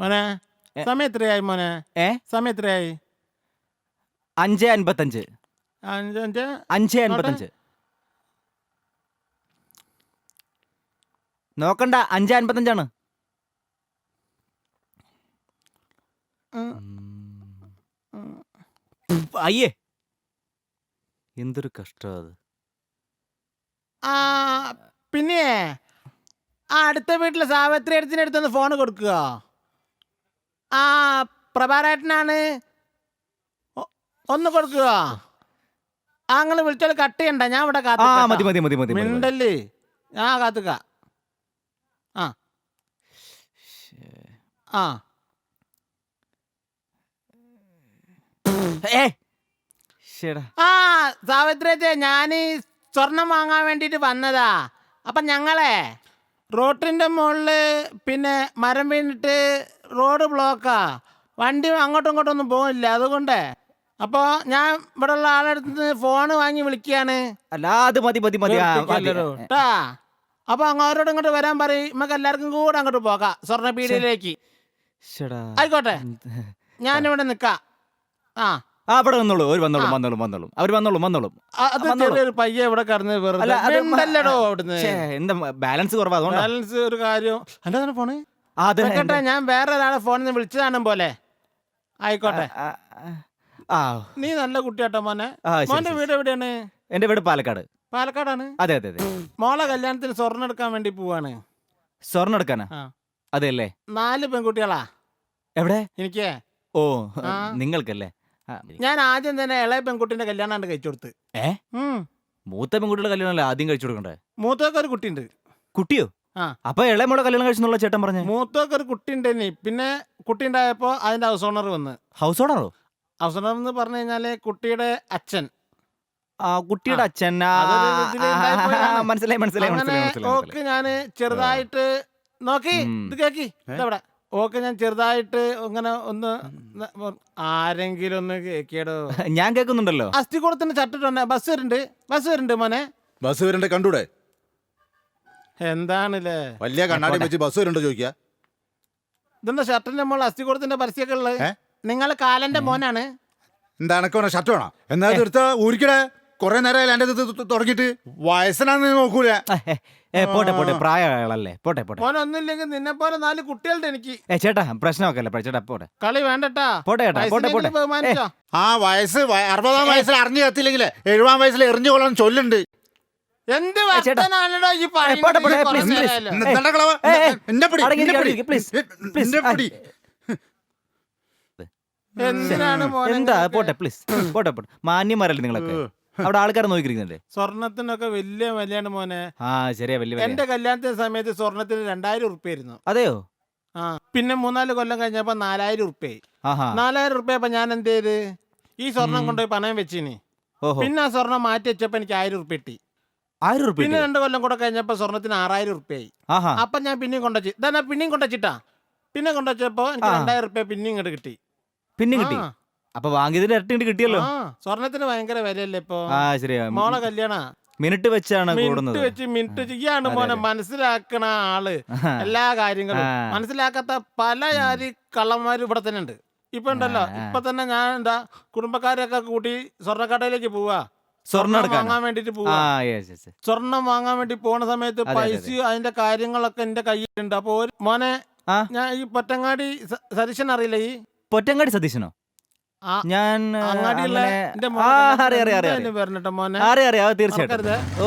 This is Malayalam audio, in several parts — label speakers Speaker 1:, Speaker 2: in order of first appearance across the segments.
Speaker 1: മോനെ സമയം എത്രയായി മോനെ? സമയം എത്രയായി?
Speaker 2: 5:55. 5:55. നോക്കണ്ട, 5:55 അയ്യേ, എന്തൊരു കഷ്ടം അത്.
Speaker 1: പിന്നെ അടുത്ത വീട്ടിലെ സാവിത്രി അടുത്തിനടുത്തൊന്ന് ഫോൺ കൊടുക്കുക. പ്രഭാരേട്ടനാണ്, ഒന്ന് കൊടുക്കുക. അങ്ങനെ വിളിച്ചാൽ കട്ട് ചെയ്യണ്ട, ഞാൻ ഇവിടെ മിണ്ടല്ലേ, ഞാൻ കാത്തുക. സാവിത്രി, ഞാൻ സ്വർണം വാങ്ങാൻ വേണ്ടിട്ട് വന്നതാ. അപ്പൊ ഞങ്ങളെ റോട്ടിന്റെ മുകളില് പിന്നെ മരം വീണിട്ട് റോഡ് ബ്ലോക്കാ, വണ്ടി അങ്ങോട്ടും ഇങ്ങോട്ടും ഒന്നും പോകില്ല. അതുകൊണ്ട് അപ്പോൾ ഞാൻ ഇവിടെ ഉള്ള ആളെടുത്ത് ഫോണ് വാങ്ങി വിളിക്കുകയാണ്. അപ്പൊ അങ്ങോട്ടോട് ഇങ്ങോട്ട് വരാൻ പറയും, നമുക്ക് എല്ലാവർക്കും കൂടെ അങ്ങോട്ട് പോകാം സ്വർണ്ണപീടിയിലേക്ക്. ആയിക്കോട്ടെ, ഞാനിവിടെ നിക്കാം.
Speaker 2: അവിടെ വന്നോളൂ, അവർ വന്നോളും.
Speaker 1: ചെറിയൊരു പയ്യ ഇവിടെ കടന്ന്
Speaker 2: എന്താ ബാലൻസ് കുറവാ,
Speaker 1: ബാലൻസ് ഒരു കാര്യം. എന്താ ഫോണ്? കേട്ടെ, ഞാൻ വേറെ ഒരാളെ ഫോണിൽ നിന്ന് വിളിച്ചതാണ് പോലെ. ആയിക്കോട്ടെ, നീ നല്ല കുട്ടിയാട്ടോ മോനെ. മോന്റെ വീട് എവിടെയാണ്?
Speaker 2: എന്റെ വീട് പാലക്കാട്.
Speaker 1: പാലക്കാടാണ്?
Speaker 2: അതെ.
Speaker 1: മോളെ കല്യാണത്തിന് സ്വർണ്ണം എടുക്കാൻ വേണ്ടി പോവാണ്.
Speaker 2: സ്വർണ്ണം എടുക്കാനാ? അതെ അല്ലേ. 4
Speaker 1: പെൺകുട്ടികളാ.
Speaker 2: എവിടെ?
Speaker 1: എനിക്ക്.
Speaker 2: ഓ, നിങ്ങൾക്കല്ലേ.
Speaker 1: ഞാൻ ആദ്യം തന്നെ ഇളയ പെൺകുട്ടിന്റെ കല്യാണം കഴിച്ചു കൊടുത്ത്.
Speaker 2: മൂത്ത പെൺകുട്ടിയുടെ കല്യാണമല്ലേ ആദ്യം കഴിച്ചു കൊടുക്കണ്ടേ?
Speaker 1: മൂത്തൊക്കെ ഒരു കുട്ടിയുണ്ട്.
Speaker 2: കുട്ടിയോ? അപ്പൊ ഇളയമോടെ കല്യാണം കഴിച്ചെന്നുള്ള ചേട്ടൻ പറഞ്ഞു.
Speaker 1: മൂത്തൊക്കെ ഒരു കുട്ടി ഉണ്ടെനി. പിന്നെ കുട്ടി ഉണ്ടായപ്പോ അതിന്റെ ഹൗസ് ഓണർ വന്ന്.
Speaker 2: ഹൗസ് ഓണറോ?
Speaker 1: ഹൗസ് ഓണർ എന്ന് പറഞ്ഞു കഴിഞ്ഞാല് കുട്ടിയുടെ അച്ഛൻ.
Speaker 2: കുട്ടിയുടെ അച്ഛൻ. മനസ്സിലായി.
Speaker 1: ഓക്കെ, ഞാന് ചെറുതായിട്ട് നോക്കി ഇത് കേക്കി ഇതവിടെ. ഓക്കെ, ഞാൻ ചെറുതായിട്ട് ഇങ്ങനെ ഒന്ന് ആരെങ്കിലും ഒന്ന് കേക്കിയടോ.
Speaker 2: ഞാൻ കേൾക്കുന്നുണ്ടല്ലോ.
Speaker 1: അസ്ഥികൂടത്തിന്റെ ചട്ടിട്ടുണ്ട്. ബസ് വരുന്നുണ്ട് മോനെ.
Speaker 3: ബസ് വരണ്ടേ കണ്ടൂടെ?
Speaker 1: എന്താണല്ലേ
Speaker 3: വലിയ കണ്ണാടി വെച്ച് ബസ് വരണ്ടോ ചോദിക്കാ?
Speaker 1: ഇതെന്താ ഷർട്ടിന്റെ മോൾ അസ്ഥികൂടത്തിന്റെ പരസ്യമൊക്കെ ഉള്ളത്? നിങ്ങൾ കാലന്റെ മോനാണ്.
Speaker 3: എന്താ എനക്ക് ഷർട്ട് വേണം? എന്നാ എടുത്ത ഊരിക്കടേ. കൊറേ നേരം എന്റെ തുടങ്ങിട്ട് വയസ്സനാന്ന് നോക്കൂല.
Speaker 2: പോട്ടെ, പ്രായമല്ലേ. പോട്ടെ.
Speaker 1: മോനൊന്നുമില്ലെങ്കിൽ നിന്നെ പോലെ 4 കുട്ടികളുടെ എനിക്ക്.
Speaker 2: ചേട്ടാ പ്രശ്നമൊക്കെ ചേട്ടാ, പോട്ടെ.
Speaker 1: കളി വേണ്ടട്ടാ.
Speaker 2: പോട്ടെ.
Speaker 3: ആ വയസ്സ് 60-ആം വയസ്സിൽ അറിഞ്ഞു കത്തില്ലെങ്കിൽ 70-ആം വയസ്സിൽ എറിഞ്ഞു കൊള്ളാൻ ചൊല്ലുണ്ട്.
Speaker 1: എന്ത് വർത്തനാണോ ഈ
Speaker 2: എന്താ? പോട്ടെ പ്ലീസ്, പോട്ടെ. മാന്യന്മാരല്ലേ നിങ്ങളൊക്കെ? അവിടെ ആൾക്കാരെ നോക്കിയിരിക്കുന്നുണ്ട്.
Speaker 1: സ്വർണത്തിനൊക്കെ വലിയ വിലയാണ് മോനെ.
Speaker 2: ശരിയാ, വലിയ.
Speaker 1: എന്റെ കല്യാണത്തിന്റെ സമയത്ത് സ്വർണത്തിന് 2000 ഉറുപ്പ്യ ആയിരുന്നു.
Speaker 2: അതെയോ?
Speaker 1: പിന്നെ 3-4 കൊല്ലം കഴിഞ്ഞപ്പോ 4000 ഉറുപ്പ്യായി. 4000 ഉറുപ്പ്യപ്പോ ഞാൻ എന്ത് ചെയ്ത് ഈ സ്വർണം കൊണ്ടുപോയി പണയം വെച്ചിനി. പിന്നെ ആ സ്വർണം മാറ്റി വെച്ചപ്പോ എനിക്ക് 1000 ഉറുപ്പ്യ കിട്ടി.
Speaker 2: 1000 ഉറുപ്പ്യ?
Speaker 1: പിന്നെ 2 കൊല്ലം കൂടെ കഴിഞ്ഞപ്പോ സ്വർണത്തിന് 6000 ഉറുപ്പ്യായി. അപ്പൊ ഞാൻ പിന്നെയും കൊണ്ടുവച്ചു. ഇതാ പിന്നെയും കൊണ്ടുവച്ചിട്ടാ. പിന്നെ കൊണ്ടുവച്ചപ്പോ എനിക്ക് 2000 ഉറുപ്പ്യ പിന്നെയും ഇങ്ങോട്ട് കിട്ടി.
Speaker 2: പിന്നെ കിട്ടി? അപ്പൊ വാങ്ങിയതിന് ഇരട്ടി കിട്ടിയല്ലോ.
Speaker 1: സ്വർണത്തിന് ഭയങ്കര വിലയല്ലേ ഇപ്പൊ?
Speaker 2: ശരിയാ.
Speaker 1: മോളെ കല്യാണ
Speaker 2: മിനിറ്റ് വെച്ചാണ്
Speaker 1: മിനിറ്റ് ചെയ്യാണ്ട് മോനെ മനസ്സിലാക്കണ ആള്. എല്ലാ കാര്യങ്ങളും മനസ്സിലാക്കാത്ത പല ജാതി കള്ളന്മാരും ഇവിടെ തന്നെ ഉണ്ട്. ഇപ്പൊ ഉണ്ടല്ലോ, ഇപ്പൊ തന്നെ ഞാൻ എന്താ കുടുംബക്കാരൊക്കെ കൂട്ടി സ്വർണ്ണക്കടയിലേക്ക് പോവാ. സ്വർണം വാങ്ങാൻ വേണ്ടിട്ട് പോവാ. സ്വർണം വാങ്ങാൻ വേണ്ടി പോണ സമയത്ത് പൈസ അതിന്റെ കാര്യങ്ങളൊക്കെ എന്റെ കയ്യിലുണ്ട്. അപ്പൊ മോനെ, ഞാൻ ഈ പൊറ്റങ്ങാടി സതീശൻ അറിയില്ല? ഈ
Speaker 2: പൊറ്റങ്ങാടി സതീശനോ? ഞാൻ തീർച്ചയായിട്ടും.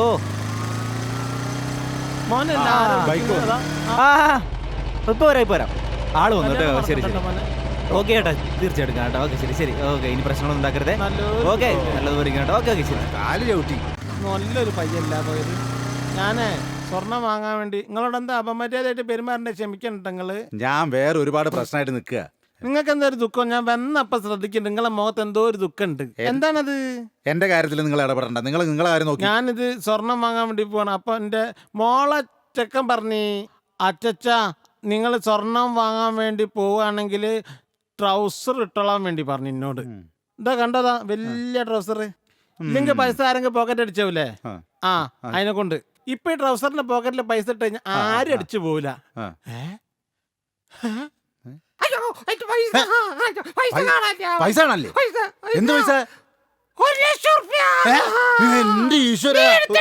Speaker 2: ഇപ്പൊ വരാം. ആള് വന്നു. ശരി. ഓക്കെ ചേട്ടാ, തീർച്ചയായിട്ടും കേട്ടോ. ഓക്കെ, ശരി. ഓക്കെ, ഇനി പ്രശ്നങ്ങളൊന്നും ഉണ്ടാക്കരുതേ. ഓക്കെ, നല്ലതുപോലെ കേട്ടോ. ഓക്കെ, ശരി.
Speaker 1: നല്ലൊരു പയ്യല്ല പോയത്. ഞാനേ സ്വർണം വാങ്ങാൻ വേണ്ടി നിങ്ങളോട് എന്താ അപമര്യാദയായിട്ട് പെരുമാറേണ്ട ക്ഷമിക്കണ്ട.
Speaker 3: ഞാൻ വേറെ ഒരുപാട് പ്രശ്നമായിട്ട് നിൽക്കുക.
Speaker 1: നിങ്ങൾക്ക് എന്താ ഒരു ദുഃഖം? ഞാൻ വന്നപ്പോ ശ്രദ്ധിക്കുന്നുണ്ട് നിങ്ങളെ മുഖത്ത് എന്തോ ഒരു ദുഃഖമുണ്ട്. എന്താണത്?
Speaker 3: എന്റെ കാര്യത്തിൽ നിങ്ങൾ ഇടപെടണ്ട. നിങ്ങളെ കാര്യം നോക്കി.
Speaker 1: ഞാനിത് സ്വർണം വാങ്ങാൻ വേണ്ടി പോവാണ്. അപ്പൊ എന്റെ മോളെ ചെക്കൻ പറഞ്ഞു, അച്ചച്ച നിങ്ങൾ സ്വർണം വാങ്ങാൻ വേണ്ടി പോവുകയാണെങ്കിൽ ട്രൗസർ ഇട്ടോളാൻ വേണ്ടി പറഞ്ഞു എന്നോട്. ഇതാ കണ്ടതാ, വലിയ ട്രൗസർ. ഇല്ലെങ്കിൽ പൈസ ആരെങ്കിലും പോക്കറ്റ് അടിച്ചാവൂലേ? അതിനെ കൊണ്ട് ഇപ്പൊ ഈ ട്രൗസറിന്റെ പോക്കറ്റിൽ പൈസ ഇട്ട് കഴിഞ്ഞാൽ ആരും അടിച്ചു പോവില്ല.
Speaker 3: പൈസ ആണല്ലേ? എന്ത് പൈസ?
Speaker 1: 1,00,000 റുപ്യ.
Speaker 3: എന്റെ ഈശ്വര,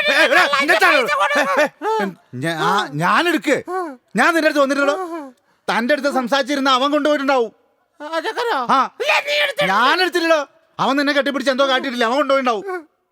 Speaker 3: ഞാൻ എടുക്ക്. ഞാൻ നിന്റെ അടുത്ത് വന്നിട്ടുള്ളൂ. തന്റെ അടുത്ത് സംസാരിച്ചിരുന്ന അവൻ കൊണ്ടുപോയിട്ടുണ്ടാവും. ആ, ഞാൻ എടുത്തില്ലല്ലോ. അവൻ നിന്നെ കെട്ടിപ്പിടിച്ച് എന്തോ കാട്ടിയിട്ടില്ല, അവൻ കൊണ്ടുപോയിണ്ടാവും.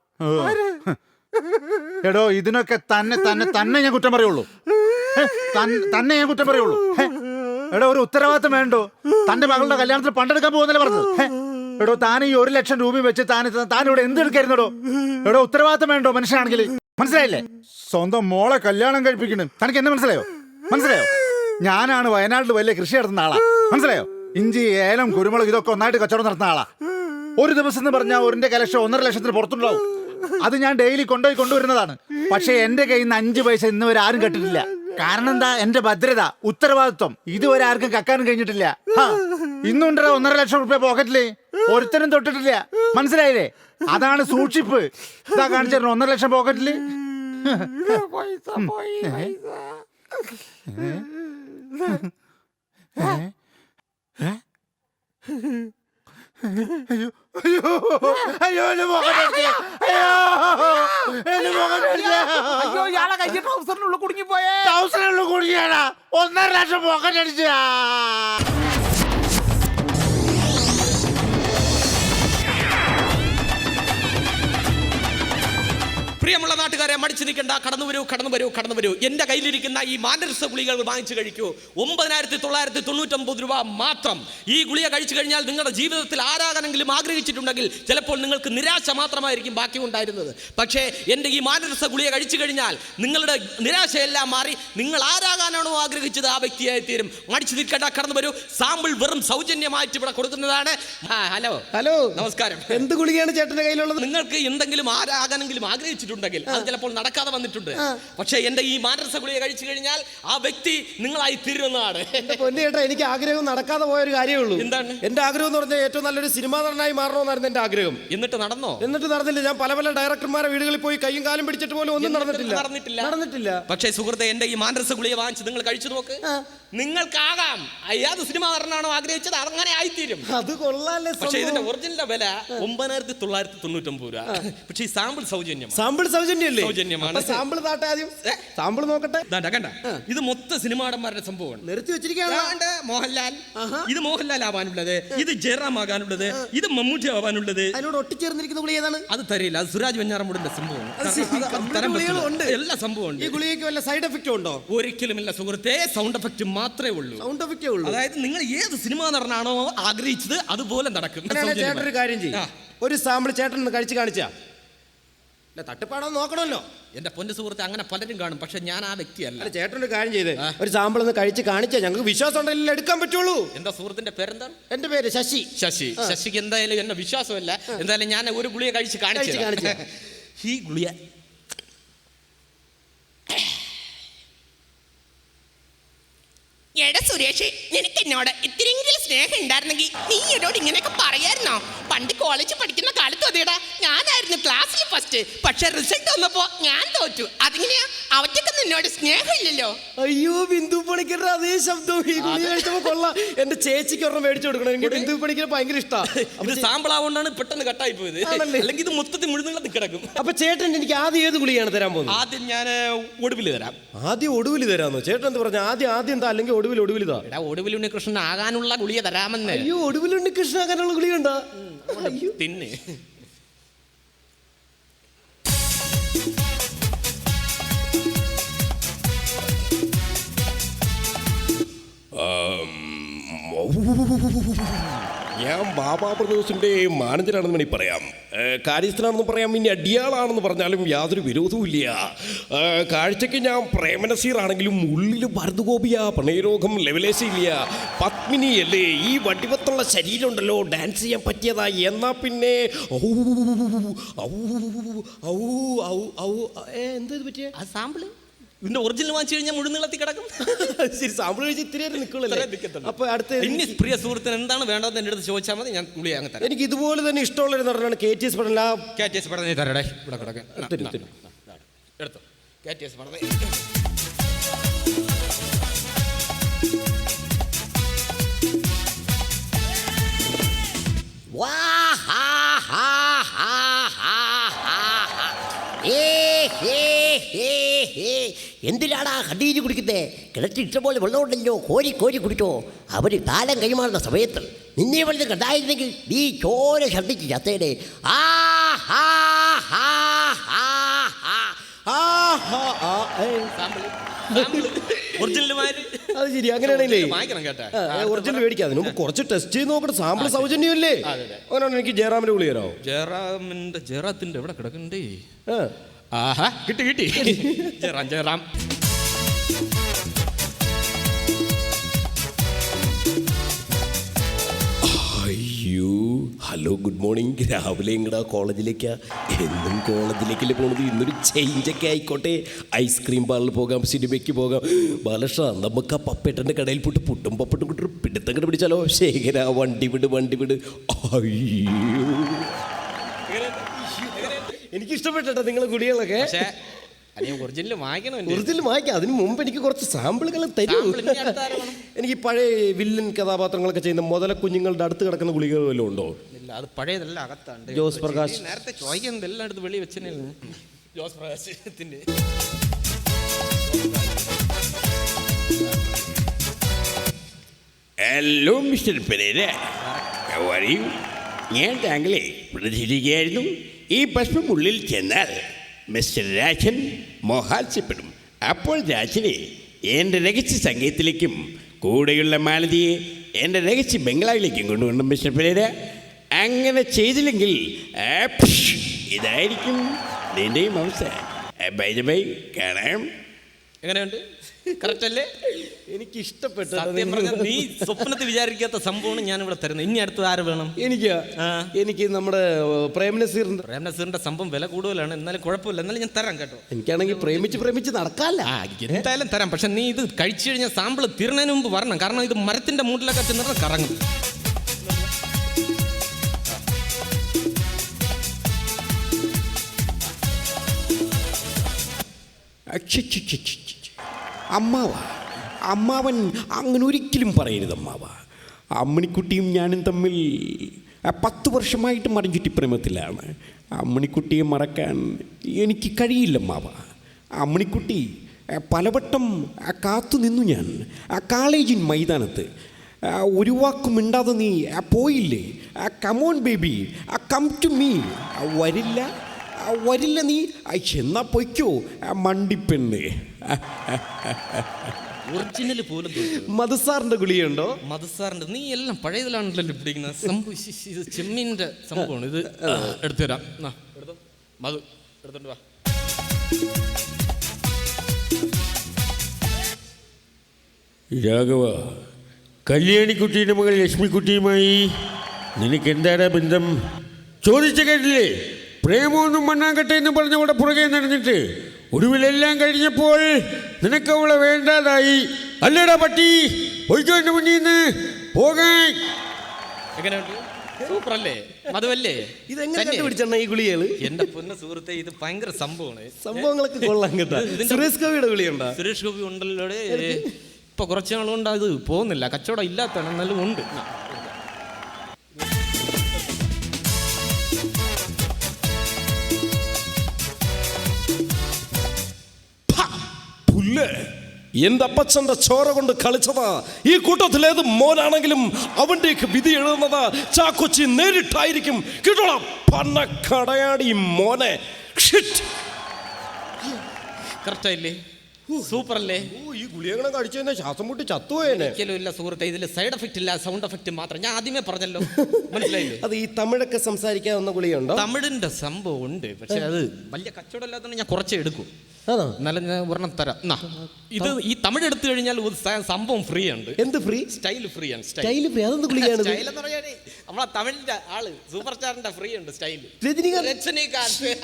Speaker 3: എടോ, ഇതിനൊക്കെ തന്നെ തന്നെ തന്നെ ഞാൻ കുറ്റം പറയുള്ളൂ. തന്നെ ഞാൻ കുറ്റം പറയുള്ളൂ. എടോ, ഒരു ഉത്തരവാദിത്തം വേണ്ടോ? തന്റെ മകളുടെ കല്യാണത്തിൽ പണ്ടെടുക്കാൻ പോകുന്നല്ലേ പറഞ്ഞത്? എടോ, താൻ ഈ 1,00,000 രൂപ വെച്ച് താൻ ഇവിടെ എന്തെടുക്കായിരുന്നോ? എടോ, ഉത്തരവാദിത്തം വേണ്ടോ മനുഷ്യനാണെങ്കിൽ? മനസ്സിലായില്ലേ? സ്വന്തം മോളെ കല്യാണം കഴിപ്പിക്കണം. തനിക്ക് എന്നെ മനസ്സിലായോ? ഞാനാണ് വയനാട്ടിൽ വലിയ കൃഷി നടത്തുന്ന ആളാ. മനസ്സിലായോ? ഇഞ്ചി, ഏലം, കുരുമുളക് ഇതൊക്കെ ഒന്നായിട്ട് കച്ചവടം നടത്തുന്ന ആളാ. ഒരു ദിവസം എന്ന് പറഞ്ഞാൽ ഒരിന്റെ കലക്ഷൻ 1,50,000 പുറത്തുണ്ടാവും. അത് ഞാൻ ഡെയിലി കൊണ്ടുവരുന്നതാണ്. പക്ഷെ എന്റെ കയ്യിൽ നിന്ന് 5 പൈസ ഇന്ന് വരെ ആരും കെട്ടിട്ടില്ല. കാരണം എന്താ? എന്റെ ഭദ്രത, ഉത്തരവാദിത്വം ഇതുവരെ ആർക്കും കക്കാനും കഴിഞ്ഞിട്ടില്ല. ഇന്നുണ്ടോ 1,50,000 റുപ്യ പോക്കറ്റില്? ഒരുത്തരും തൊട്ടിട്ടില്ല. മനസ്സിലായില്ലേ? അതാണ് സൂക്ഷിപ്പ്. ഇതാ കാണിച്ചു 1,00,000 പോക്കറ്റില്. അയ്യോ അയ്യോ അയ്യോ, എന്റെ പോക്കറ്റ്,
Speaker 1: അയ്യോ, ഇയാളെ കയ്യിൽ ട്രൗസറിനുള്ളിൽ കുടുങ്ങിപ്പോയേ.
Speaker 3: ട്രൗസറിനുള്ളിൽ കുടുങ്ങിയാടാ. 1,50,000 പോക്കറ്റ് അടിച്ചാ.
Speaker 4: പ്രിയമുള്ള നാട്ടുകാരെ, മടിച്ചു നിൽക്കണ്ട, കടന്നു വരൂ. എന്റെ കയ്യിലിരിക്കുന്ന ഈ മാനരസ ഗുളികൾ വാങ്ങിച്ചു കഴിക്കൂ. 9,999 രൂപ മാത്രം. ഈ ഗുളിക കഴിച്ചു കഴിഞ്ഞാൽ നിങ്ങളുടെ ജീവിതത്തിൽ ആരാകണമെങ്കിലും ആഗ്രഹിച്ചിട്ടുണ്ടെങ്കിൽ ചിലപ്പോൾ നിങ്ങൾക്ക് നിരാശ മാത്രമായിരിക്കും ബാക്കി ഉണ്ടായിരുന്നത്. പക്ഷേ എൻ്റെ ഈ മാനരസ ഗുളിക കഴിച്ചു കഴിഞ്ഞാൽ നിങ്ങളുടെ നിരാശയെല്ലാം മാറി നിങ്ങൾ ആരാകാനാണോ ആഗ്രഹിച്ചത് ആ വ്യക്തിയായി തീരും. മടിച്ചു നിൽക്കണ്ട, കടന്നു വരൂ. സാമ്പിൾ വെറും സൗജന്യമായിട്ട് ഇവിടെ കൊടുക്കുന്നതാണ്. ഹലോ, നമസ്കാരം.
Speaker 5: എന്ത് ഗുളികയാണ് ചേട്ടന്റെ കയ്യിലുള്ളത്?
Speaker 4: നിങ്ങൾക്ക് എന്തെങ്കിലും ആരാകാനെങ്കിലും ആഗ്രഹിച്ചിട്ടുണ്ടെങ്കിൽ അത് ചിലപ്പോൾ നടക്കാതെ വന്നിട്ടുണ്ട്. പക്ഷേ എന്റെ ഈ മാനരസ ഗുളിക കഴിച്ചു കഴിഞ്ഞാൽ ആ വ്യക്തി നിങ്ങളായി തീരുന്നതാണ്.
Speaker 5: പൊന്നു ചേട്ടാ, എനിക്ക് ആഗ്രഹം നടക്കാതെ പോയ ഒരു കാര്യമേ ഉള്ളൂ.
Speaker 4: എന്താണ്?
Speaker 5: എന്റെ ആഗ്രഹം എന്ന് പറഞ്ഞാൽ ഏറ്റവും നല്ലൊരു സിനിമാ നടനായി മാറണമെന്നായിരുന്നു എന്റെ ആഗ്രഹം.
Speaker 4: എന്നിട്ട് നടന്നോ?
Speaker 5: എന്നിട്ട് നടന്നില്ല. ഞാൻ പല ഡയറക്ടർമാരെ വീടുകളിൽ പോയി കയ്യും കാലും പിടിച്ചിട്ട് പോലും ഒന്നും നടന്നിട്ടില്ല.
Speaker 4: പക്ഷേ സുഹൃത്തെ, എന്റെ ഈ മാനരസ ഗുളിക വാങ്ങിച്ച് നിങ്ങൾ കഴിച്ചു നോക്ക്. നിങ്ങൾക്കാകാം. ഏത് സിനിമ നടനാണോ ആഗ്രഹിച്ചത് അങ്ങനെ ആയിത്തീരും.
Speaker 5: അത് കൊള്ളാല്ലേ.
Speaker 4: പക്ഷേ ഇതിന്റെ ഒറിജിനൽ വില 9,999 രൂപ. പക്ഷേ ഈ സാമ്പിൾ സൗജന്യം.
Speaker 5: സാമ്പിൾ സൗജന്യമല്ലേ?
Speaker 4: സൗജന്യമാണ്.
Speaker 5: സാമ്പിൾ താട്ടെ, ആദ്യം സാമ്പിൾ നോക്കട്ടെ.
Speaker 4: കണ്ട, ഇത് മൊത്തം സിനിമാടന്മാരുടെ സംഭവമാണ്.
Speaker 5: നിർത്തി വെച്ചിരിക്കുകയാണ്.
Speaker 4: മോഹൻലാൽ, ഇത് മോഹൻലാൽ ആവാനുള്ളത്, ഇത് ജയറാം ആകാനുള്ളത്, ഇത് മമ്മൂട്ടി ആവാനുള്ളത്.
Speaker 5: അതിനോട് ഒട്ടിച്ചേർന്നിരിക്കുന്ന ഗുളിക ഏതാണ്?
Speaker 4: അത് തരില്ല. അത് സുരാജ് വെഞ്ഞാറമൂടിന്റെ സംഭവമാണ്. എല്ലാ സംഭവം.
Speaker 5: ഈ ഗുളികയ്ക്ക് വല്ല സൈഡ് എഫക്റ്റും ഉണ്ടോ?
Speaker 4: ഒരിക്കലുമില്ല സുഹൃത്തെ. സൗണ്ട് എഫക്റ്റ് മാത്രമേ ഉള്ളൂ. അതായത് നിങ്ങൾ ഏത് സിനിമ നടനാണോ ആഗ്രഹിച്ചത് അതുപോലെ നടക്കും.
Speaker 5: ചേട്ടൻ ഒരു കാര്യം ചെയ്യും, ഒരു സാമ്പിൾ ചേട്ടൻ കഴിച്ച് കാണിച്ചാ തട്ടിപ്പാടോ നോക്കണമല്ലോ.
Speaker 4: എന്റെ പൊന്നു സുഹൃത്തെ, അങ്ങനെ പലരും കാണും. പക്ഷെ ഞാൻ ആ വ്യക്തിയല്ല.
Speaker 5: ചേട്ടൻ ഒരു കാര്യം ചെയ്ത് ഒരു സാമ്പിൾ ഒന്ന് കഴിച്ച് കാണിച്ചാൽ ഞങ്ങൾക്ക് വിശ്വാസം ഉണ്ടെങ്കിൽ എടുക്കാൻ പറ്റുള്ളൂ.
Speaker 4: എന്താ സുഹൃത്തിന്റെ പേരെന്താണ്?
Speaker 5: എന്റെ പേര് ശശി.
Speaker 4: ശശിക്ക് എന്തായാലും എന്നെ വിശ്വാസമല്ല. എന്തായാലും ഞാൻ ഒരു ഗുളിക കഴിച്ച് കാണിച്ചു. ഈ ഗുളിക
Speaker 6: എടാ സുരേഷ്, നിനക്ക് എന്നോട് ഇത്തിരിയെങ്കിലും സ്നേഹം ഉണ്ടായിരുന്നെങ്കിൽ നീ എന്നോട് ഇങ്ങനെയൊക്കെ പറയായിരുന്നോ? പണ്ട് കോളേജിൽ പഠിക്കുന്ന കാലത്ത് അതേടാ, ഞാനായിരുന്നു ക്ലാസ്സിൽ ഫസ്റ്റ്. പക്ഷെ റിസൾട്ട് വന്നപ്പോ ഞാൻ തോറ്റു. അതിങ്ങനെയാ, അവറ്റൊക്കെ നിന്നോട് സ്നേഹമില്ലല്ലോ.
Speaker 5: അയ്യോ, ബിന്ദു പണിക്കരുടെ അതേ ശബ്ദം ഈ ഗുളിക കഴിച്ചപ്പോ കൊള്ളാം. എന്റെ ചേച്ചിക്ക് ഒരെണ്ണം മേടിച്ചു കൊടുക്കണം. എനിക്ക് ബിന്ദു പണിക്കർ ഭയങ്കര ഇഷ്ടമാണ്.
Speaker 4: സാമ്പിൾ ആവുകൊണ്ടാണ് പെട്ടെന്ന് കട്ടായി പോയത്. അല്ലെങ്കിൽ ഇത് മൊത്തത്തിൽ മുഴുവൻ കിടക്കും.
Speaker 5: അപ്പൊ ചേട്ടൻ എനിക്ക് ആദ്യം ഏത് ഗുളികയാണ് തരാൻ പോകുന്നത്?
Speaker 4: ആദ്യം ഞാൻ ഒടുവിൽ തരാം.
Speaker 5: ആദ്യം ഒടുവിൽ തരാമോ? ചേട്ടൻ എന്ത് പറഞ്ഞു? ആദ്യം എന്താ, അല്ലെങ്കിൽ ഒടുവിലിതാ?
Speaker 4: എടാ, ഒടുവിൽ ഉണ്ണികൃഷ്ണൻ ആകാനുള്ള ഗുളിക തരാമെന്ന്.
Speaker 5: അയ്യോ, ഒടുവിൽ ഉണ്ണികൃഷ്ണൻ ആകാനുള്ള ഗുളിക ഉണ്ടോ?
Speaker 4: തിന്ന്.
Speaker 7: ഞാൻ ബാബാ ബ്രദേഴ്സിൻ്റെ മാനേജറാണെന്ന് വേണമെങ്കിൽ പറയാം, കാര്യസ്ഥനാണെന്ന് പറയാം, ഇനി അടിയാളാണെന്ന് പറഞ്ഞാലും യാതൊരു വിരോധവുമില്ല. കാഴ്ചയ്ക്ക് ഞാൻ പ്രേമനസീറാണെങ്കിലും ഉള്ളിൽ ഭരതഗോപിയ, പ്രണയരോഗം ലെവലേശയില്ല. പത്മിനി അല്ലേ, ഈ വടിവത്തുള്ള ശരീരം ഉണ്ടല്ലോ, ഡാൻസ് ചെയ്യാൻ പറ്റിയതാ. എന്നാൽ പിന്നെ
Speaker 5: എന്താ ഇത് പറ്റിയ?
Speaker 4: ആ സാമ്പിള് ഇതിന്റെ ഒറിജിനൽ വാങ്ങിച്ചു കഴിഞ്ഞാൽ മുഴുവൻ നീളത്തിൽ കിടക്കും.
Speaker 5: ശരി, സാമ്പിൾ കഴിച്ച് ഇത്തിരി നിൽക്കുള്ളൂ. അപ്പൊ അടുത്ത
Speaker 4: ഇനി പ്രിയ സുഹൃത്തിന് എന്താണ് വേണ്ടതെന്ന് എൻ്റെ അടുത്ത് ചോദിച്ചാൽ മതി, ഞാൻ ഗുളിക അങ്ങ് തരാം.
Speaker 5: എനിക്ക് ഇതുപോലെ തന്നെ ഇഷ്ടമുള്ളൊരു നടനാണ് KTS പടം.
Speaker 4: KTS പടം നീ തരടേ, ഇവിടെ കിടക്കാൻ എടുത്തോ. KTS പടം
Speaker 8: എന്തിനാടാ കണ്ണീര് കുടിക്കുന്നേ? കിണറ്റിൽ ഇഷ്ടംപോലെ വെള്ളമുണ്ടല്ലോ, കോരി കോരി കുടിച്ചോ. അവര് കാലം കൈമാറുന്ന സമയത്ത് നിന്നെ വലുത് കണ്ടായിരുന്നെങ്കിൽ നീ ചോര ശബ്ദിച്ച് ചത്തേടെ. ആ ഹാ ഹാ ഹാ ഹാ
Speaker 5: ആ, ആ, ആ, ഏ.
Speaker 4: ഒറിജിനലുമാര്
Speaker 5: അത് ശരി, അങ്ങനെയാണല്ലേ
Speaker 4: വാങ്ങിക്കണം കേട്ടാ.
Speaker 5: ഒറിജിനൽ മേടിക്കാം. അതിന് മുമ്പ് കുറച്ച് ടെസ്റ്റ് ചെയ്ത് നോക്കട്ടെ. സാമ്പിൾ സൗജന്യമല്ലേ? അങ്ങനെയാണ്. എനിക്ക് ജയറാമിന്റെ ഗുളി തരാമോ?
Speaker 4: ജയറാത്തിന്റെ എവിടെ കിടക്കണ്ടേ?
Speaker 5: ആ.
Speaker 4: ആഹാ, കിട്ടി ജയറാം.
Speaker 7: അയ്യോ, ഹലോ, ഗുഡ് മോർണിംഗ്. രാവിലെ ഇങ്ങടാ കോളേജിലേക്കാ. എന്നും കോളേജിലേക്കല്ലേ പോണത്. ഇന്നൊരു ചേഞ്ചൊക്കെ ആയിക്കോട്ടെ. ഐസ്ക്രീം പാർലറിൽ പോകാം, സിനിമയ്ക്ക് പോകാം. ബാലഷ, നമുക്ക് ആ പപ്പേട്ടൻ്റെ കടയിൽ പോയിട്ട് പുട്ടും പപ്പട്ടും കിട്ടൊരു പിടുത്തം കണ്ട് പിടിച്ചാലോ? ശേഖര, വണ്ടി വിട്. അയ്യോ,
Speaker 5: എനിക്ക് ഇഷ്ടപ്പെട്ടോ നിങ്ങളെ ഗുളികളൊക്കെ.
Speaker 4: പക്ഷേ ഒറിജിനൽ വാങ്ങിക്കണം.
Speaker 5: ഒറിജിനൽ വാങ്ങിക്കാം. അതിന് മുമ്പ് എനിക്ക് കുറച്ച് സാമ്പിളുകൾ തരൂ. എനിക്ക് പഴയ വില്ലൻ കഥാപാത്രങ്ങളൊക്കെ ചെയ്യുന്ന മുതല കുഞ്ഞുങ്ങളുടെ അടുത്ത് കിടക്കുന്ന ഗുളികൾ വല്ലതും ഉണ്ടോ?
Speaker 4: ഇല്ല, അത് പഴയതെല്ലാം അകത്താണ്ട്.
Speaker 5: ജോസ് പ്രകാശ്
Speaker 4: നേരത്തെ ചോദിക്കുന്നത് എല്ലാം എടുത്ത് വെളി വെച്ചേ. ജോസ് പ്രകാശത്തിന്റെ
Speaker 9: ഹലോ മിസ്റ്റർ പെരേര, പറയൂ. ഞാൻ താങ്കളെ പ്രതീക്ഷിക്കുകയായിരുന്നു. ഈ ഭസ്മം ഉള്ളിൽ ചെന്നാൽ മിസ്റ്റർ രാജൻ മോഹാത്സ്യപ്പെടും. അപ്പോൾ രാജനെ എൻ്റെ രഹസ്യ സംഗീതത്തിലേക്കും കൂടെയുള്ള മാലതിയെ എൻ്റെ രഹസ്യ ബംഗ്ലാവിലേക്കും കൊണ്ടുവരണം മിസ്റ്റർ പെരേര. അങ്ങനെ ചെയ്തില്ലെങ്കിൽ ഇതായിരിക്കും നിൻ്റെയും അവസ്ഥ. ബൈ കാണാം.
Speaker 4: എങ്ങനെയുണ്ട്? കറക്റ്റ് അല്ലേ?
Speaker 5: എനിക്ക് ഇഷ്ടപ്പെട്ടു.
Speaker 4: നീ സ്വപ്നത്തിൽ വിചാരിക്കാത്ത സംഭവമാണ് ഞാൻ ഇവിടെ തരുന്നത്. ഇനി അടുത്ത് ആര് വേണം?
Speaker 5: എനിക്ക് നമ്മുടെ
Speaker 4: പ്രേംനസീറിന്റെ സംഭവം വില കൂടുതലാണ്. എന്നാലും കുഴപ്പമില്ല, എന്നാലും ഞാൻ തരാം കേട്ടോ.
Speaker 5: എനിക്കാണെങ്കിൽ പ്രേമിച്ച് നടക്കാല്ല.
Speaker 4: എന്തായാലും തരാം. പക്ഷെ നീ ഇത് കഴിച്ചു കഴിഞ്ഞാൽ സാമ്പിൾ തീർന്നതിന് മുമ്പ് വരണം. കാരണം ഇത് മരത്തിന്റെ മൂട്ടിലൊക്കെ ചെന്നിട്ട് കറങ്ങും.
Speaker 7: അമ്മാവൻ അങ്ങനെ ഒരിക്കലും പറയരുത് അമ്മാവ. അമ്മണിക്കുട്ടിയും ഞാനും തമ്മിൽ 10 വർഷമായിട്ട് മറിഞ്ഞുറ്റി പ്രേമത്തിലാണ്. അമ്മണിക്കുട്ടിയെ മറക്കാൻ എനിക്ക് കഴിയില്ല അമ്മാവ. അമ്മണിക്കുട്ടി പലവട്ടം കാത്തു നിന്നു. ഞാൻ കോളേജിൻ മൈതാനത്ത് ഒരു വാക്കും മിണ്ടാതെ നീ പോയില്ലേ? Come on baby, come to me. വരില്ല നീ. എന്നാ പൊയ്ക്കോ മണ്ടിപ്പെണ്ണ്.
Speaker 4: ഒറിജിനൽ പോലും
Speaker 5: മധുസാറിന്റെ ഗുളിയുണ്ടോ?
Speaker 4: മധുസാറിന്റെ നീ എല്ലാം പഴയതിലാണല്ലോ പിടിക്കുന്നത്. സംഭവം ഇത് ചെമ്മീൻ്റെ സംഭവമാണ്. ഇത് എടുത്തു തരാം. മധു എടുത്തോണ്ട് വാ.
Speaker 9: രാഘവ, കല്യാണിക്കുട്ടിയുടെ മകൾ ലക്ഷ്മിക്കുട്ടിയുമായി നിനക്ക് എന്താണ് ബന്ധം? ചോദിച്ച കേട്ടില്ലേ? പ്രേമമൊന്നും മണ്ണാങ്കട്ടെ എന്ന് പറഞ്ഞവിടെ പുറകെ നടന്നിട്ട് ഒടുവിലെല്ലാം കഴിഞ്ഞപ്പോൾ നിനക്ക് അവളെ വേണ്ടാതായി. അല്ലേടാ പട്ടി, പോയിക്കോ എന്റെ മുന്നിൽ നിന്ന് പോകാൻ.
Speaker 4: എങ്ങനെയുണ്ട്? സൂപ്പർ അല്ലേ? മധുവല്ലേ?
Speaker 5: ഇതെങ്ങനെ കണ്ടുപിടിച്ചെണ്ണ ഈ ഗുളികള്?
Speaker 4: എന്റെ പൊന്ന സുഹൃത്തെ, ഇത് ഭയങ്കര സംഭവമാണ്.
Speaker 5: സംഭവങ്ങളൊക്കെ കൊള്ളാൻ കേട്ടോ. സുരേഷ് ഗോപിയുടെ ഗുളിയുണ്ടോ?
Speaker 4: സുരേഷ് ഗോപി ഉണ്ടല്ലോ. ഇപ്പൊ കുറച്ച് നാളുകൊണ്ട് അത് പോകുന്നില്ല, കച്ചവടം ഇല്ലാത്തതാണ്. എന്നാലും ഉണ്ട്.
Speaker 7: എന്റെ അപ്പച്ചന്റെ ചോര കൊണ്ട് കളിച്ചതാ. ഈ കൂട്ടത്തിലേത് മോനാണെങ്കിലും അവന്റെയൊക്കെ വിധി എഴുതുന്നത് ചാക്കൊച്ചി നേരിട്ടായിരിക്കും. കിട്ടോളാം പണക്കടയാടി മോനെ.
Speaker 4: കറക്റ്റായില്ലേ? സൂപ്പർ അല്ലേ?
Speaker 5: ഈ ഗുളികളെ കഴിച്ചു കഴിഞ്ഞാൽ ശ്വാസം മുട്ടി ചത്തുപോയേനെ.
Speaker 4: ഒരിക്കലും ഇല്ല സുഹൃത്തെ, ഇതിൽ സൈഡ് എഫക്റ്റ് ഇല്ല, സൗണ്ട് എഫക്റ്റ് മാത്രം. ഞാൻ ആദ്യമേ പറഞ്ഞല്ലോ, മനസ്സിലായില്ലേ?
Speaker 5: അത് ഈ തമിഴൊക്കെ സംസാരിക്കാവുന്ന ഗുളിയുണ്ടോ?
Speaker 4: തമിഴിന്റെ സംഭവം ഉണ്ട്, പക്ഷെ അത് വലിയ കച്ചവടം ഇല്ലാത്തതുകൊണ്ട് ഞാൻ കുറച്ചേ എടുക്കും. എന്നാലും ഞാൻ ഒരെണ്ണം തരാം. ഇത് ഈ തമിഴ് എടുത്തു കഴിഞ്ഞാൽ സംഭവം ഫ്രീ ഉണ്ട്.
Speaker 5: എന്ത് ഫ്രീ?
Speaker 4: സ്റ്റൈൽ ഫ്രീ ആണ്.
Speaker 5: Style free? അതെന്ത് ഗുളിയാണ്?
Speaker 4: സ്റ്റൈൽ എന്ന് പറയാനേ നമ്മളെ തമിഴിന്റെ ആള് സൂപ്പർ സ്റ്റാറിന്റെ ഫ്രീ ഉണ്ട് സ്റ്റൈൽ.
Speaker 5: രജനികാന്ത്.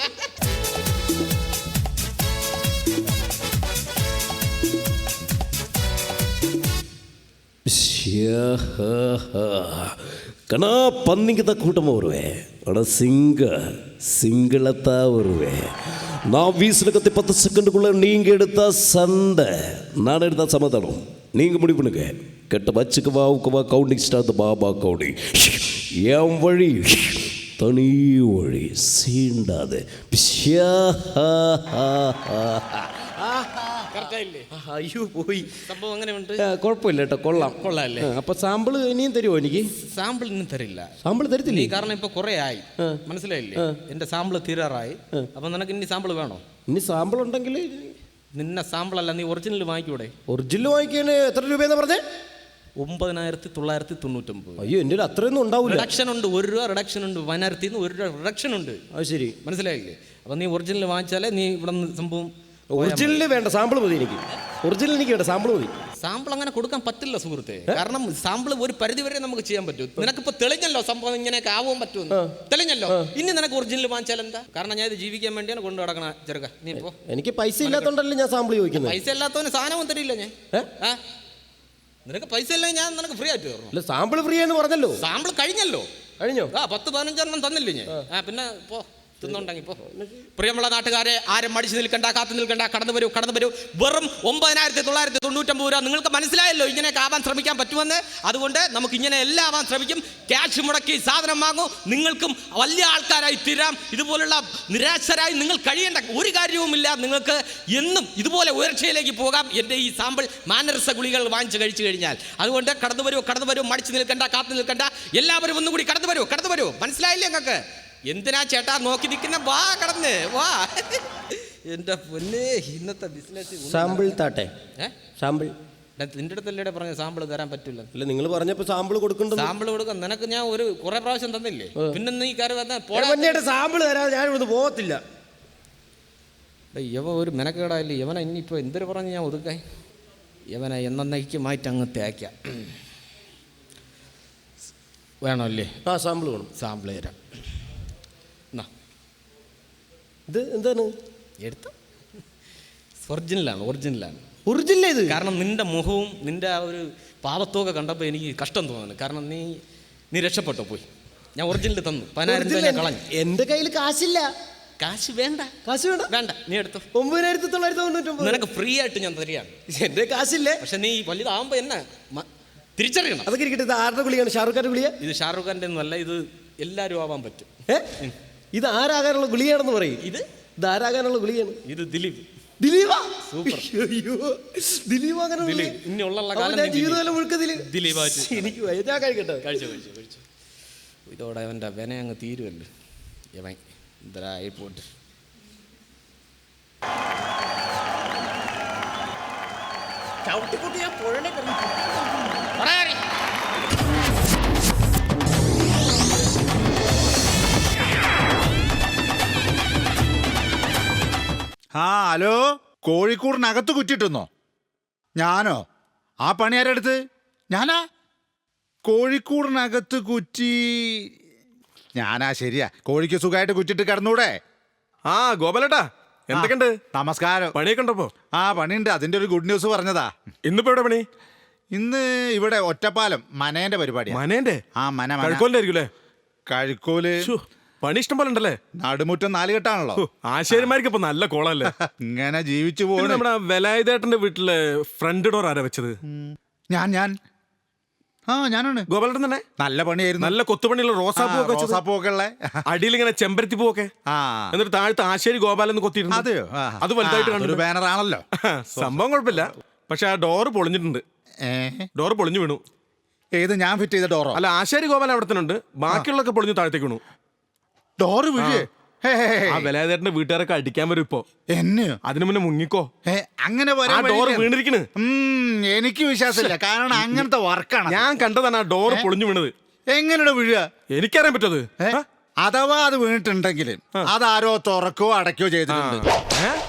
Speaker 7: கணா பன்னிக்கு தான் கூட்டமாக வருவேன். ஆனால் சிங்களத்தான் வருவேன். நான் வீசில் கத்தி 10 செகண்டுக்குள்ளே நீங்கள் எடுத்தா சண்டை, நான் எடுத்தா சமாதானம். நீங்கள் முடிவு பண்ணுங்க. கெட்ட வச்சுக்கு வா கவுண்டிங் ஸ்டார்ட் பாபா கவுண்டிங். என் வழி தனி வழி சீண்டாது.
Speaker 4: കറക്റ്റായില്ലേ?
Speaker 5: അയ്യോ പോയി.
Speaker 4: സംഭവം എങ്ങനെയുണ്ട്?
Speaker 5: കുഴപ്പമില്ല കേട്ടോ, കൊള്ളാം.
Speaker 4: കൊള്ളാല്ലേ?
Speaker 5: അപ്പൊ സാമ്പിള് ഇനിയും തരുമോ എനിക്ക്?
Speaker 4: സാമ്പിൾ ഇന്നും തരില്ല.
Speaker 5: സാമ്പിൾ
Speaker 4: നീ
Speaker 5: തരത്തില്ലേ?
Speaker 4: കാരണം ഇപ്പൊ കുറെ ആയി, മനസ്സിലായില്ലേ? എന്റെ സാമ്പിൾ തീരാറായി. അപ്പൊ നിനക്ക് ഇനി സാമ്പിൾ വേണോ?
Speaker 5: ഇനി സാമ്പിൾ ഉണ്ടെങ്കിൽ
Speaker 4: നിന്നെ സാമ്പിൾ അല്ല, നീ ഒറിജിനൽ വാങ്ങിക്കൂടെ?
Speaker 5: ഒറിജിനൽ വാങ്ങിക്കാൻ എത്ര രൂപയെന്ന് പറഞ്ഞേ?
Speaker 4: 9999.
Speaker 5: അയ്യോ എൻ്റെ അത്രയൊന്നും ഉണ്ടാവില്ല.
Speaker 4: റിഡക്ഷൻ ഉണ്ട്, 1 രൂപ റിഡക്ഷൻ ഉണ്ട്. 1000 1 രൂപ റിഡക്ഷൻ ഉണ്ട്.
Speaker 5: അത് ശരി,
Speaker 4: മനസ്സിലായില്ലേ? അപ്പൊ നീ ഒറിജിനൽ വാങ്ങിച്ചാലേ നീ ഇവിടെ നിന്ന് സംഭവം.
Speaker 5: ഒറിജിനൽ വേണ്ട, സാമ്പിൾ മതി എനിക്ക്. ഒറിജിനൽ എനിക്ക് വേണ്ട, സാമ്പിൾ മതി.
Speaker 4: സാമ്പിൾ അങ്ങനെ കൊടുക്കാൻ പറ്റില്ല സുഹൃത്തെ. കാരണം സാമ്പിൾ ഒരു പരിധി വരെ നമുക്ക് ചെയ്യാൻ പറ്റും. നിനക്കിപ്പോ തെളിഞ്ഞല്ലോ സംഭവം ഇങ്ങനെയൊക്കെ ആവാൻ പറ്റുമെന്ന്. തെളിഞ്ഞല്ലോ. ഇനി നിനക്ക് ഒറിജിനൽ വാങ്ങിച്ചാൽ എന്താ? കാരണം ഞാൻ ഇത് ജീവിക്കാൻ വേണ്ടിയാണ് കൊണ്ടു നടക്കണ ചെറുക്ക. നീ ഇപ്പോ
Speaker 5: എനിക്ക് പൈസ ഇല്ലാത്തോണ്ടല്ലേ ഞാൻ സാമ്പിൾ ചോദിക്കുന്നത്.
Speaker 4: പൈസ ഇല്ലാത്തവന് സാധനവും തരില്ല ഞാൻ. നിനക്ക് പൈസ ഇല്ലെങ്കിൽ ഞാൻ നിനക്ക് ഫ്രീ ആയിട്ട് തരണം.
Speaker 5: അല്ല, സാമ്പിൾ ഫ്രീ എന്ന് പറഞ്ഞല്ലോ.
Speaker 4: സാമ്പിൾ കഴിഞ്ഞല്ലോ.
Speaker 5: കഴിഞ്ഞോ?
Speaker 4: 10-15 തന്നില്ലേ ഞാൻ? പിന്നെ പോ തിന്നുണ്ടെങ്കിൽ പോ. പ്രിയമുള്ള നാട്ടുകാരെ, ആരും മടിച്ചു നിൽക്കണ്ട, കാത്തു നിൽക്കണ്ട, കടന്നു വരൂ, കടന്നു വരൂ. വെറും 9999 രൂപ. നിങ്ങൾക്ക് മനസ്സിലായല്ലോ ഇങ്ങനെയൊക്കെ ആവാൻ ശ്രമിക്കാൻ പറ്റുമെന്ന്. അതുകൊണ്ട് നമുക്ക് ഇങ്ങനെ എല്ലാം ആവാൻ ശ്രമിക്കും. ക്യാഷ് മുടക്കി സാധനം വാങ്ങൂ, നിങ്ങൾക്കും വലിയ ആൾക്കാരായി തീരാം. ഇതുപോലുള്ള നിരാശരായി നിങ്ങൾ കഴിയേണ്ട ഒരു കാര്യവുമില്ല. നിങ്ങൾക്ക് എന്നും ഇതുപോലെ ഉയർച്ചയിലേക്ക് പോകാം എൻ്റെ ഈ സാമ്പിൾ മാനരസ ഗുളികൾ വാങ്ങിച്ച് കഴിച്ചു കഴിഞ്ഞാൽ. അതുകൊണ്ട് കടന്നു വരൂ, കടന്നു വരൂ. മടിച്ചു നിൽക്കണ്ട, കാത്തു നിൽക്കണ്ട. എല്ലാവരും ഒന്നും കൂടി കടന്നു വരൂ, കടന്നു വരൂ. മനസ്സിലായില്ലേ നിങ്ങൾക്ക്? എന്തിനാ ചേട്ടാ നോക്കി നിൽക്കുന്ന? വാ, കടന്ന് വാ. എന്റെ പൊന്നെ, ഇന്നത്തെ ബിസിനസ്.
Speaker 5: Sample താട്ടെ, sample.
Speaker 4: നിന്റെ അടുത്തല്ലേ പറഞ്ഞ സാമ്പിൾ തരാൻ പറ്റില്ല?
Speaker 5: അല്ല, നിങ്ങൾ പറഞ്ഞപ്പോ സാമ്പിൾ കൊടുക്കണ്ട.
Speaker 4: സാമ്പിൾ കൊടുക്കാം. നിനക്ക് ഞാൻ കുറെ പ്രാവശ്യം തന്നില്ലേ? പിന്നെ നീ കയറി വന്ന
Speaker 5: സാമ്പിൾ തരാതെ ഞാൻ ഇവിടുന്ന് പോകത്തില്ല.
Speaker 4: യവ ഒരു മെനക്കേടായില്ലേ യവന. ഇനിയിപ്പോ എന്തൊരു പറഞ്ഞ് ഞാൻ ഒതുക്കായി യവനെ എന്നേക്കുമായിട്ട് അങ്ങ് തേക്കാം. വേണോ അല്ലേ?
Speaker 5: സാമ്പിൾ വേണം.
Speaker 4: സാമ്പിൾ തരാം.
Speaker 5: ഇത് എന്താണ്
Speaker 4: എടുത്ത? ഒറിജിനലാണ്, ഒറിജിനലാണ്,
Speaker 5: ഒറിജിനൽ ഇത്.
Speaker 4: കാരണം നിന്റെ മുഖവും നിന്റെ ആ ഒരു പാവത്തൊക്കെ കണ്ടപ്പോൾ എനിക്ക് കഷ്ടം തോന്നുന്നു. കാരണം നീ രക്ഷപ്പെട്ടോ പോയി. ഞാൻ ഒറിജിനൽ തന്നു. 10,000 രൂപ ഞാൻ കളഞ്ഞു.
Speaker 5: എൻ്റെ കയ്യിൽ കാശില്ല.
Speaker 4: കാശ് വേണ്ട,
Speaker 5: കാശ് വേണ്ട,
Speaker 4: വേണ്ട. നീ എടുത്തു.
Speaker 5: 9999
Speaker 4: നിനക്ക് ഫ്രീ ആയിട്ട് ഞാൻ തരികയാണ്.
Speaker 5: എൻ്റെ കാശില്ലേ.
Speaker 4: പക്ഷെ നീ വലുതാവുമ്പോ എന്നെ തിരിച്ചറിയണം.
Speaker 5: അതൊക്കെ ഇരിക്കട്ടെ. ഇത് ആരുടെ ഗുളിയാണ്? ഷാറുഖ് ഖാന്റെ ഗുളിയ?
Speaker 4: ഇത് ഷാറുഖ് ഖാന്റെ ഒന്നും അല്ല. ഇത് എല്ലാവരും ആവാൻ പറ്റും.
Speaker 5: ഇത് ആരാകാനുള്ള ഗുളിയാണെന്ന് പറയും.
Speaker 4: ഇത്
Speaker 5: ആരാകാനുള്ള ഗുളിയാണ്?
Speaker 4: ഇത് ദിലീപ്.
Speaker 5: ദിലീപാ?
Speaker 4: സൂപ്പർ.
Speaker 5: അയ്യോ, ദിലീപ് അങ്ങനെ
Speaker 4: ഇനി ഉള്ള
Speaker 5: ജീവിതകാലം മുഴുക്കതില്
Speaker 4: ദിലീപായിട്ട്
Speaker 5: എനിക്ക് ഞാൻ കഴിക്കട്ടെ.
Speaker 4: കഴിച്ചു. ഇതോടെ അവൻ്റെ വെന അങ്ങ് തീരുമല്ലോ. യവൻ ഇതായി പോട്ട്.
Speaker 8: ചവിട്ടിക്കുട്ടി ഞാൻ പുഴനെ
Speaker 3: ഹലോ, കോഴിക്കൂടിനകത്ത് കുറ്റിട്ടുന്നോ? ഞാനോ? ആ പണി ആരെടുത്ത്? ഞാനാ? കോഴിക്കൂടിനകത്ത് കുറ്റി ഞാനാ? ശരിയാ. കോഴിക്ക് സുഖമായിട്ട് കുറ്റിട്ട് കിടന്നൂടെ?
Speaker 10: ഗോപാലേട്ടാ, എന്തൊക്കെയുണ്ട്?
Speaker 3: നമസ്കാരം.
Speaker 10: പണിയൊക്കെ ഉണ്ടപ്പോ?
Speaker 3: പണിയുണ്ട്. അതിന്റെ ഒരു ഗുഡ് ന്യൂസ് പറഞ്ഞതാ.
Speaker 10: ഇന്നിപ്പോ എവിടെ പണി?
Speaker 3: ഇന്ന് ഇവിടെ ഒറ്റപ്പാലം മനേന്റെ പരിപാടി.
Speaker 10: മനേന്റെ?
Speaker 3: കഴുക്കോലിന്റെ ആയിരിക്കും. കഴുക്കോല്
Speaker 10: പണി ഇഷ്ടം പോലെ ഉണ്ടല്ലേ?
Speaker 3: നടുമുറ്റം 4 കെട്ടാണല്ലോ.
Speaker 10: ആശാരിമാർക്ക് ഇപ്പൊ നല്ല കോളല്ലേ?
Speaker 3: ഇങ്ങനെ ജീവിച്ചു പോകുന്നു.
Speaker 10: നമ്മുടെ വേലായുധേട്ടന്റെ വീട്ടില് ഫ്രണ്ട് ഡോർ ആരാ വെച്ചത്?
Speaker 3: ഞാനാണ്.
Speaker 10: ഗോപാലേട്ടൻ തന്നെ.
Speaker 3: നല്ല പണിയായിരുന്നു.
Speaker 10: നല്ല കൊത്തുപണിയുള്ള റോസാപ്പൂ ഒക്കെ ഉള്ള, അടിയിൽ ഇങ്ങനെ ചെമ്പരത്തി പൂവൊക്കെ, എന്നിട്ട് താഴത്ത് ആശാരി ഗോപാലെന്ന് കൊത്തിയിരുന്നു.
Speaker 3: അതെയോ?
Speaker 10: അത് വലുതായിട്ട് കണ്ടു.
Speaker 3: ബാനർ ആണല്ലോ.
Speaker 10: സംഭവം കുഴപ്പമില്ല. പക്ഷെ ആ ഡോറ് പൊളിഞ്ഞിട്ടുണ്ട്. ഡോറ് പൊളിഞ്ഞു വീണു.
Speaker 3: ഏത്? ഞാൻ ഫിറ്റ് ചെയ്ത ഡോറോ?
Speaker 10: അല്ല, ആശാരി ഗോപാലൻ അവിടെ തന്നെ ഉണ്ട്. ബാക്കിയുള്ളൊക്കെ പൊളിഞ്ഞു താഴത്തേക്ക് വീണു.
Speaker 3: ഡോറ് വീഴേ?
Speaker 10: ആ വേലായുധേട്ടന്റെ വീട്ടുകാരൊക്കെ അടിക്കാൻ വരും ഇപ്പൊ.
Speaker 3: എന്നെയോ?
Speaker 10: അതിനു മുന്നേ മുങ്ങിക്കോ.
Speaker 3: അങ്ങനെ
Speaker 10: ഡോറ് വീണിരിക്കണ്.
Speaker 3: എനിക്ക് വിശ്വാസമില്ല. കാരണം അങ്ങനത്തെ വർക്കാണ്.
Speaker 10: ഞാൻ കണ്ടതാണ് ആ ഡോറ് പൊളിഞ്ഞു വീണത്.
Speaker 3: എങ്ങനെയാണ് വീഴുക?
Speaker 10: എനിക്കറിയാൻ പറ്റത്.
Speaker 3: അഥവാ അത് വീണിട്ടുണ്ടെങ്കിൽ അതാരോ തുറക്കോ അടയ്ക്കോ ചെയ്തിട്ടുണ്ട്.